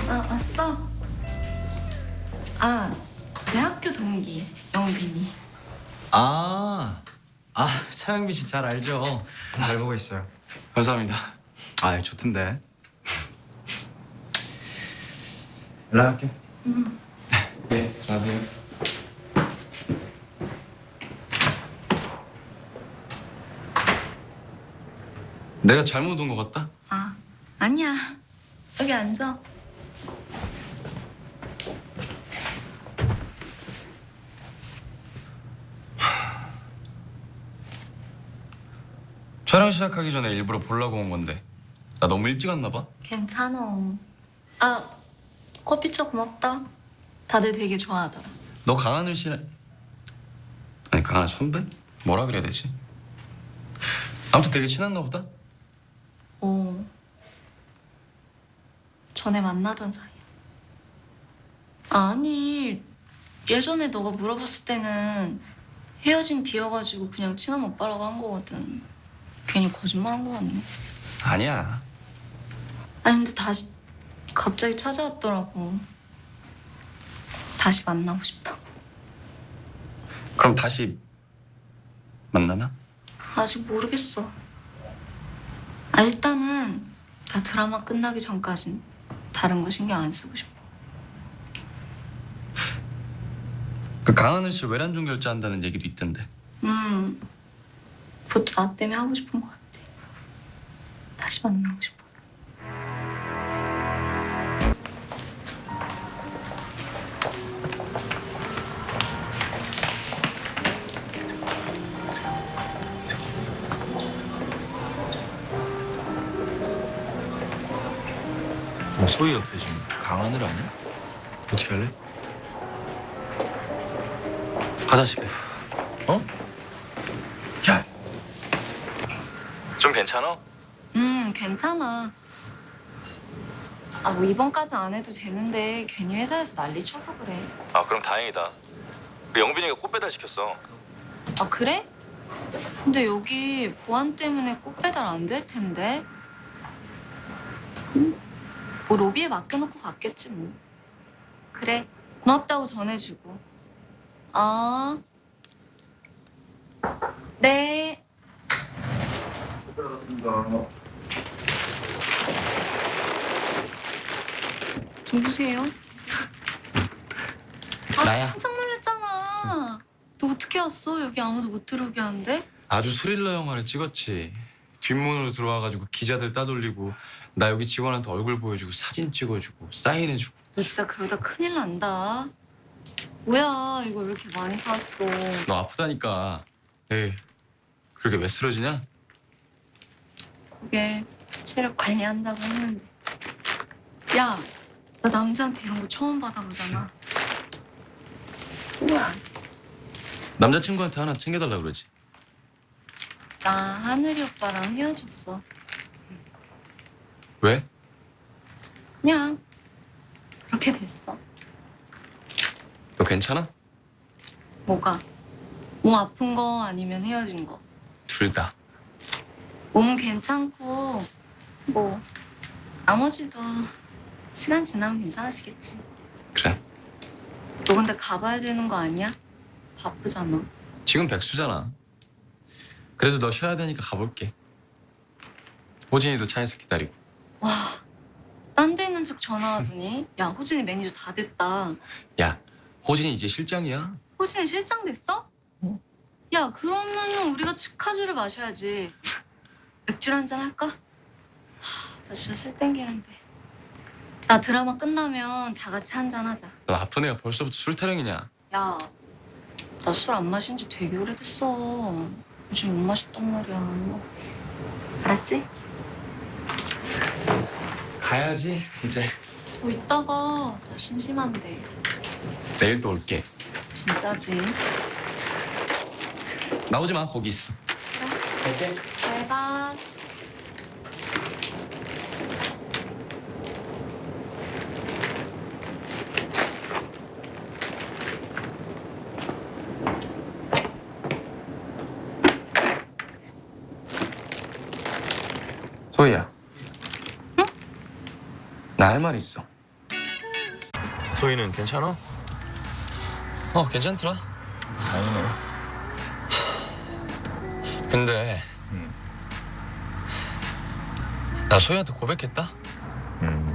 왔어? 내 학교 동기 영빈이. 차영민 씨 잘 알죠? 잘 보고 있어요. 감사합니다. 좋던데. 연락할게. 네, 들어가세요. 내가 잘못 온 것 같다? 아니야. 여기 앉아. 촬영 시작하기 전에 일부러 보려고 온 건데 나 너무 일찍 왔나 봐? 괜찮아. 커피차 고맙다. 다들 되게 좋아하더라. 너 강하늘 씨랑 아니 강하늘 선배? 뭐라 그래야 되지? 아무튼 되게 친한가 보다? 전에 만나던 사이야. 아니, 예전에 너가 물어봤을 때는 헤어진 뒤여가지고 그냥 친한 오빠라고 한 거거든. 괜히 거짓말한 거 같네. 아니야. 아니 근데 다시 갑자기 찾아왔더라고. 다시 만나고 싶다. 그럼 다시 만나나? 아직 모르겠어. 일단은 나 드라마 끝나기 전까진 다른 거 신경 안 쓰고 싶어. 그 강하늘 씨 외란종 결제한다는 얘기도 있던데. 그것도 나 때문에 하고 싶은 것 같아. 다시 만나고 싶어서. 소희 옆에 지금 강하늘 아니야? 어떻게 할래? 가자 집에. 어? 야, 좀 괜찮아? 괜찮아. 뭐 이번까지 안 해도 되는데 괜히 회사에서 난리 쳐서 그래. 그럼 다행이다. 그 영빈이가 꽃 배달 시켰어. 그래? 근데 여기 보안 때문에 꽃 배달 안 될 텐데. 뭐 로비에 맡겨놓고 갔겠지 뭐. 그래, 고맙다고 전해주고. 네. 누구세요? 나야. 깜짝 놀랐잖아. 너 어떻게 왔어? 여기 아무도 못 들어오게 하는데? 아주 스릴러 영화를 찍었지. 뒷문으로 들어와가지고 기자들 따돌리고 나 여기 직원한테 얼굴 보여주고 사진 찍어주고 사인해주고. 너 진짜 그러다 큰일 난다. 뭐야, 이거 왜 이렇게 많이 사왔어? 너 아프다니까. 에이, 그렇게 왜 쓰러지냐? 그게 체력 관리한다고 했는데. 야, 나 남자한테 이런 거 처음 받아보잖아. 우와. 남자친구한테 하나 챙겨달라 그러지. 나 하늘이 오빠랑 헤어졌어. 왜? 그냥 그렇게 됐어. 너 괜찮아? 뭐가? 몸 아픈 거 아니면 헤어진 거? 둘 다. 몸은 괜찮고 뭐 나머지도 시간 지나면 괜찮아지겠지. 그래. 너 근데 가봐야 되는 거 아니야? 바쁘잖아. 지금 백수잖아. 그래도 너 쉬어야 되니까 가볼게. 호진이도 차에서 기다리고. 와, 딴 데 있는 척 전화하더니 야, 호진이 매니저 다 됐다. 야, 호진이 이제 실장이야. 호진이 실장 됐어? 야, 그러면 우리가 축하주를 마셔야지. 맥주 한잔 할까? 나 진짜 술 땡기는데. 나 드라마 끝나면 다 같이 한잔 하자. 너 아픈 애가 벌써부터 술 타령이냐? 야, 나 술 안 마신 지 되게 오래됐어. 요즘 못 마셨단 말이야. 알았지? 가야지 이제. 이따가 나 심심한데. 내일 또 올게. 진짜지? 나오지 마, 거기 있어. 그래. 잘 가. 소희야. 응? 나 할 말 있어. 소희는 괜찮아? 괜찮더라. 다행이네. 근데 나 소희한테 고백했다?